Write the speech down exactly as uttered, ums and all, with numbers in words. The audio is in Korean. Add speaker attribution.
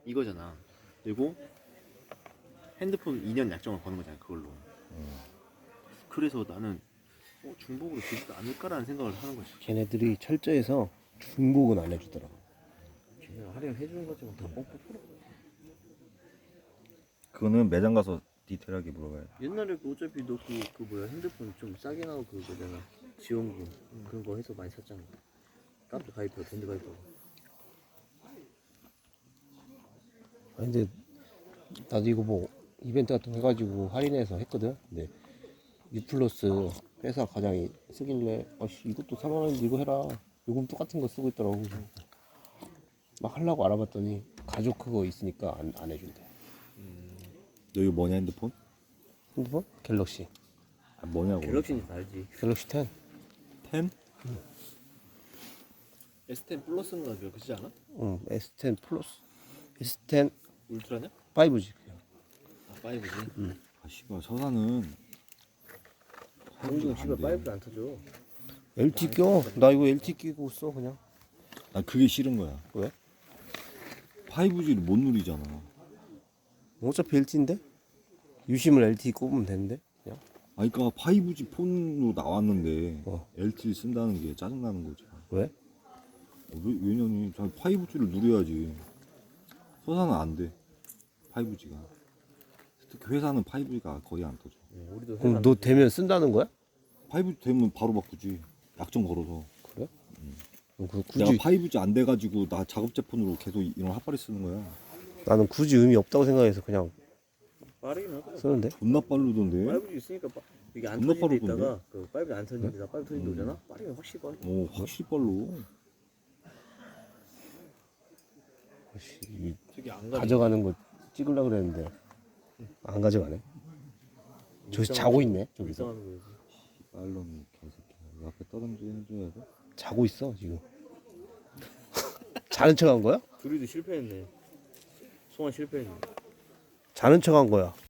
Speaker 1: 이거잖아. 그리고 핸드폰 이 년 약정을 거는 거잖아 그걸로.
Speaker 2: 음.
Speaker 1: 그래서 나는 어, 중복으로 주지도 않을까라는 생각을 하는 거지.
Speaker 3: 걔네들이 철저해서 중복은 안 해주더라.
Speaker 4: 그냥 할인해주는 거지만 다 뻥뻥 풀어.
Speaker 2: 그거는 매장 가서 디테일하게 물어봐야 돼.
Speaker 4: 옛날에 그 어차피 너 그 그 뭐야 핸드폰 좀 싸게 나오고 그거잖아. 지원금 그런 거 해서 많이 샀잖아. 카페 가입하고 밴드 가입하고.
Speaker 3: 아, 근데 나도 이거 뭐 이벤트 같은 거 해가지고 할인해서 했거든. 근데 유플러스 회사 과장이 쓰길래 아씨 이것도 사만 원인데 이거 해라. 요금 똑같은 거 쓰고 있더라고. 막 하려고 알아봤더니 가족 그거 있으니까 안, 안 해준대.
Speaker 2: 너 이거 뭐냐 핸드폰?
Speaker 3: 핸드폰? 갤럭시.
Speaker 2: 아, 뭐냐고.
Speaker 4: 갤럭시는 알지.
Speaker 3: 갤럭시 텐.
Speaker 2: 텐?
Speaker 1: 에스 텐 플러스인가 그러지 않아?
Speaker 3: 응, 에스 텐 플러스. 에스 텐
Speaker 1: 울트라냐?
Speaker 3: 파이브지.
Speaker 1: 아 파이브지.
Speaker 2: 아 씨발 서사는
Speaker 4: 공중 집에
Speaker 2: 안 돼.
Speaker 4: 파이브도 안 터져.
Speaker 3: 엘티 껴. 나 이거 엘티 끼고 써 그냥.
Speaker 2: 난 그게 싫은 거야.
Speaker 3: 왜?
Speaker 2: 파이브지를 못 누리잖아.
Speaker 3: 어차피 엘티인데? 유심을 엘티 꼽으면 되는데? 그냥.
Speaker 2: 아 그러니까 파이브지 폰으로 나왔는데
Speaker 3: 어.
Speaker 2: 엘티를 쓴다는 게 짜증나는 거지.
Speaker 3: 왜?
Speaker 2: 어, 왜, 왜냐니 자 파이브지를 누려야지. 서사는 안 돼. 파이브지가. 특히 회사는 파이브지가 거의 안 터져.
Speaker 4: 응, 우리도
Speaker 3: 그럼
Speaker 4: 회사
Speaker 3: 너 되면 쓴다는 거야?
Speaker 2: 파이브지 되면 바로 바꾸지. 약정 걸어서.
Speaker 3: 그래? 응. 그
Speaker 2: 내가
Speaker 3: 굳이
Speaker 2: 파이브지 안 돼가지고 나 작업제 폰으로 계속 이런 핫바리 쓰는 거야.
Speaker 3: 나는 굳이 의미 없다고 생각해서 그냥
Speaker 4: 빠르긴 하더라.
Speaker 3: 쓰는데?
Speaker 2: 존나 빠르던데.
Speaker 4: 파이브지 있으니까 빠, 이게 안
Speaker 2: 존나
Speaker 4: 터진 데
Speaker 2: 빠르던데?
Speaker 4: 있다가 그 파이브 안 터진 데다 파이브 터진 데 오잖아. 빠르면 확실히 빠르.
Speaker 2: 어 확실히 빨로.
Speaker 3: 아씨, 이
Speaker 1: 저기 안 가지.
Speaker 3: 가져가는 거 찍으려고 그랬는데 안 가져가네. 저기서 자고 있네. 저기서
Speaker 4: 이상하는 거지.
Speaker 2: 빨로는 개새끼야. 이 앞에 떠듬지 해줘야 돼.
Speaker 3: 자고 있어 지금. 자는 척한 거야?
Speaker 4: 둘이도 실패했네. 송환 실패했네.
Speaker 3: 자는 척한 거야.